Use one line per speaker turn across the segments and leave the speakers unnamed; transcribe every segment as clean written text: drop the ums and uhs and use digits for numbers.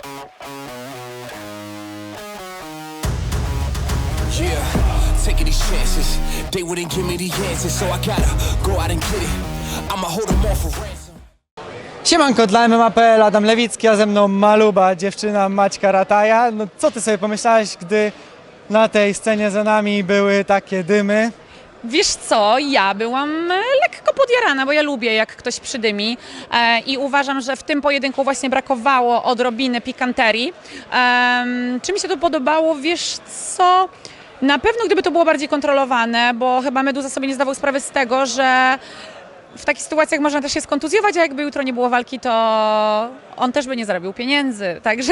Yeah, taking these chances. They wouldn't give me the answers, so I gotta go out and get it. I'ma hold them all for ransom.
Siemanko, dla MMA.pl, Adam Lewicki, a ze mną Maluba, dziewczyna Maćka Rataja. No co ty sobie pomyślałeś, gdy na tej scenie za nami były takie dymy?
Wiesz co, ja byłam lekko podjarana, bo ja lubię jak ktoś przydymi i uważam, że w tym pojedynku właśnie brakowało odrobiny pikanterii. Czy mi się to podobało? Wiesz co, na pewno gdyby to było bardziej kontrolowane, bo chyba Meduza sobie nie zdawał sprawy z tego, że w takich sytuacjach można też się skontuzjować, a jakby jutro nie było walki, to on też by nie zarobił pieniędzy, także...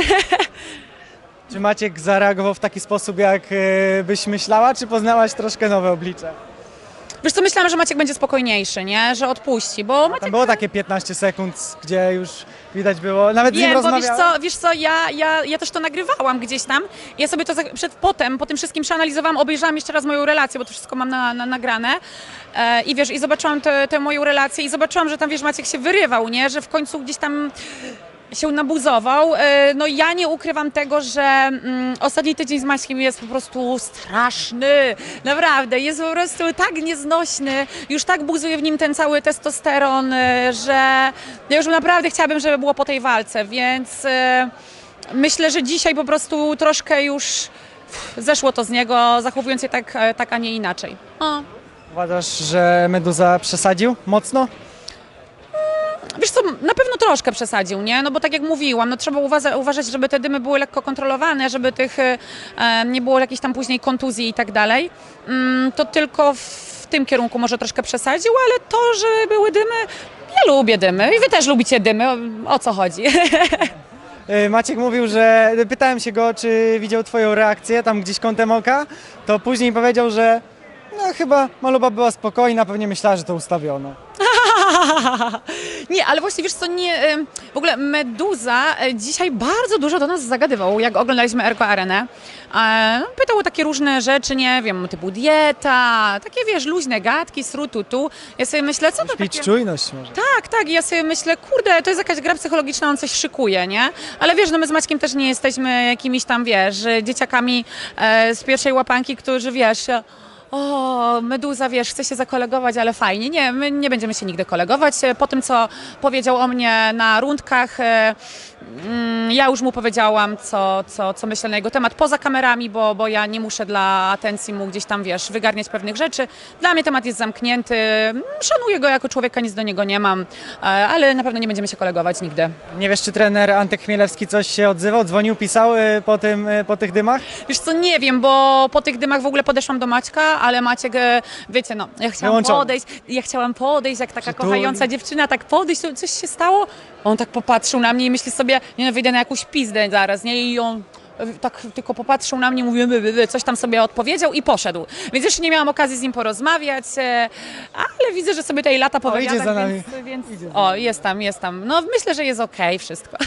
Czy Maciek zareagował w taki sposób, jak byś myślała, czy poznałaś troszkę nowe oblicze?
Wiesz co, myślałam, że Maciek będzie spokojniejszy, nie? Że odpuści, bo Maciek...
Tam było takie 15 sekund, gdzie już widać było, nawet z nim
Wiem, bo
rozmawiałam.
wiesz co, ja też to nagrywałam gdzieś tam. Ja sobie to po tym wszystkim przeanalizowałam, obejrzałam jeszcze raz moją relację, bo to wszystko mam nagrane. I wiesz, i zobaczyłam tę moją relację i zobaczyłam, że tam, wiesz, Maciek się wyrywał, nie? Że w końcu gdzieś tam się nabuzował. No ja nie ukrywam tego, że ostatni tydzień z Maćkiem jest po prostu straszny. Naprawdę, jest po prostu tak nieznośny. Już tak buzuje w nim ten cały testosteron, że ja już naprawdę chciałabym, żeby było po tej walce, więc myślę, że dzisiaj po prostu troszkę już zeszło to z niego, zachowując się tak a nie inaczej.
Uważasz, że Meduza przesadził mocno?
Wiesz co, na pewno troszkę przesadził, nie? No bo tak jak mówiłam, no trzeba uważać, żeby te dymy były lekko kontrolowane, żeby tych nie było jakichś tam później kontuzji i tak dalej. To tylko w tym kierunku może troszkę przesadził, ale to, że były dymy, ja lubię dymy i wy też lubicie dymy, o co chodzi?
Maciek mówił, że pytałem się go, czy widział twoją reakcję tam gdzieś kątem oka, to później powiedział, że no chyba Maluba była spokojna, pewnie myślała, że to ustawiono.
Nie, ale właśnie wiesz co, nie, w ogóle Meduza dzisiaj bardzo dużo do nas zagadywał, jak oglądaliśmy Erko Arenę. Pytał o takie różne rzeczy, nie wiem, typu dieta, takie wiesz, luźne gadki, sru-tu-tu. Ja sobie myślę, co to
Śpić
takie...
czujność może.
Tak, i ja sobie myślę, kurde, to jest jakaś gra psychologiczna, on coś szykuje, nie? Ale wiesz, no my z Maćkiem też nie jesteśmy jakimiś tam, wiesz, dzieciakami z pierwszej łapanki, którzy, wiesz... O, Meduza, wiesz, chce się zakolegować, ale fajnie. Nie, my nie będziemy się nigdy kolegować. Po tym, co powiedział o mnie na rundkach, ja już mu powiedziałam, co myślę na jego temat poza kamerami, bo ja nie muszę dla atencji mu gdzieś tam, wiesz, wygarniać pewnych rzeczy. Dla mnie temat jest zamknięty. Szanuję go jako człowieka, nic do niego nie mam, ale na pewno nie będziemy się kolegować nigdy.
Nie wiesz, czy trener Antek Chmielewski coś się odzywał, dzwonił, pisał po tych dymach?
Wiesz co, nie wiem, bo po tych dymach w ogóle podeszłam do Maćka, ale Maciek, wiecie, no, ja chciałam podejść, jak taka kochająca dziewczyna, tak podejść, to coś się stało? On tak popatrzył na mnie i myśli sobie, nie no, wyjdę na jakąś pizdę zaraz, nie? I on tak tylko popatrzył na mnie, mówił, coś tam sobie odpowiedział i poszedł. Więc jeszcze nie miałam okazji z nim porozmawiać, ale widzę, że sobie tej lata powiada.
Idzie za nami.
Więc jest tam. No myślę, że jest okej wszystko.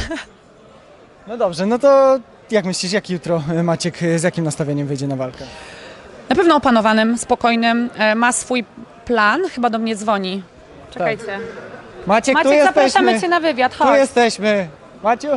No dobrze, no to jak myślisz, jak jutro Maciek z jakim nastawieniem wyjdzie na walkę?
Na pewno opanowanym, spokojnym, ma swój plan, chyba do mnie dzwoni. Czekajcie.
Maciek, tu
Maciek, zapraszamy
jesteśmy.
Cię na wywiad,
Tu
chodź.
jesteśmy. Maciu,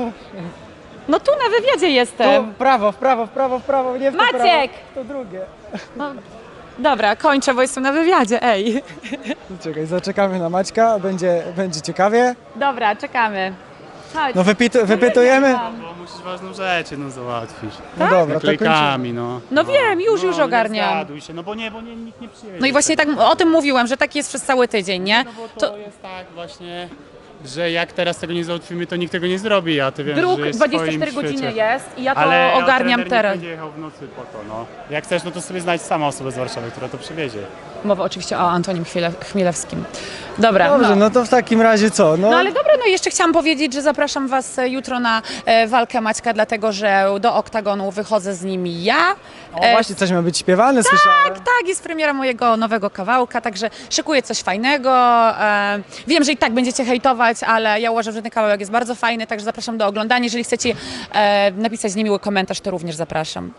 No tu na wywiadzie
tu
jestem.
w prawo, nie w to prawo,
Maciek!
w to drugie.
No, dobra, kończę, bo jestem na wywiadzie, ej.
Czekaj, zaczekamy na Maćka, będzie ciekawie.
Dobra, czekamy. Chodź.
No wypytujemy.
Bo musisz ważną rzecz jedną załatwić.
No dobra, to kończymy.
Naklejkami, no.
No wiem, już
No,
ogarniam.
Nie zgaduj się, no bo nikt nie przyjedzie.
No i właśnie tak o tym mówiłam, że tak jest przez cały tydzień, nie?
No bo to jest tak właśnie, że jak teraz tego nie załatwimy, to nikt tego nie zrobi, a ty wiem,
Druk
że jest w
24
swoim
godziny
świecie.
jest i ja to
Ale
ogarniam
trener
teraz.
nie będzie jechał w nocy po to, no. Jak chcesz, no to sobie znajdź sama osobę z Warszawy, która to przywiezie.
Mowa oczywiście o Antonim Chmielewskim. Dobra,
Dobrze, no to w takim razie co?
No ale dobra, no jeszcze chciałam powiedzieć, że zapraszam Was jutro na walkę Maćka, dlatego że do oktagonu wychodzę z nim ja.
O, właśnie coś ma być śpiewane, słyszałem.
Tak, jest premiera mojego nowego kawałka, także szykuję coś fajnego. Wiem, że i tak będziecie hejtować, ale ja uważam, że ten kawałek jest bardzo fajny, także zapraszam do oglądania. Jeżeli chcecie napisać niemiły komentarz, to również zapraszam.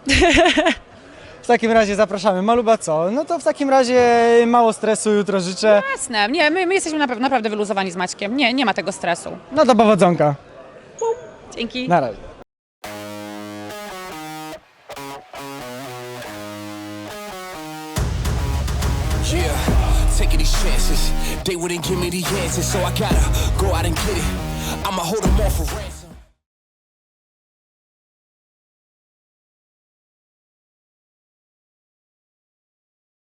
W takim razie zapraszamy. Maluba co? No to w takim razie mało stresu jutro życzę.
Jasne, nie, my jesteśmy naprawdę wyluzowani z Maćkiem, nie ma tego stresu.
No to powodzonka.
Dzięki.
Na razie.
Yeah, taking these chances. They wouldn't give me the answers, so I gotta go out and get it. I'ma hold them all for ransom.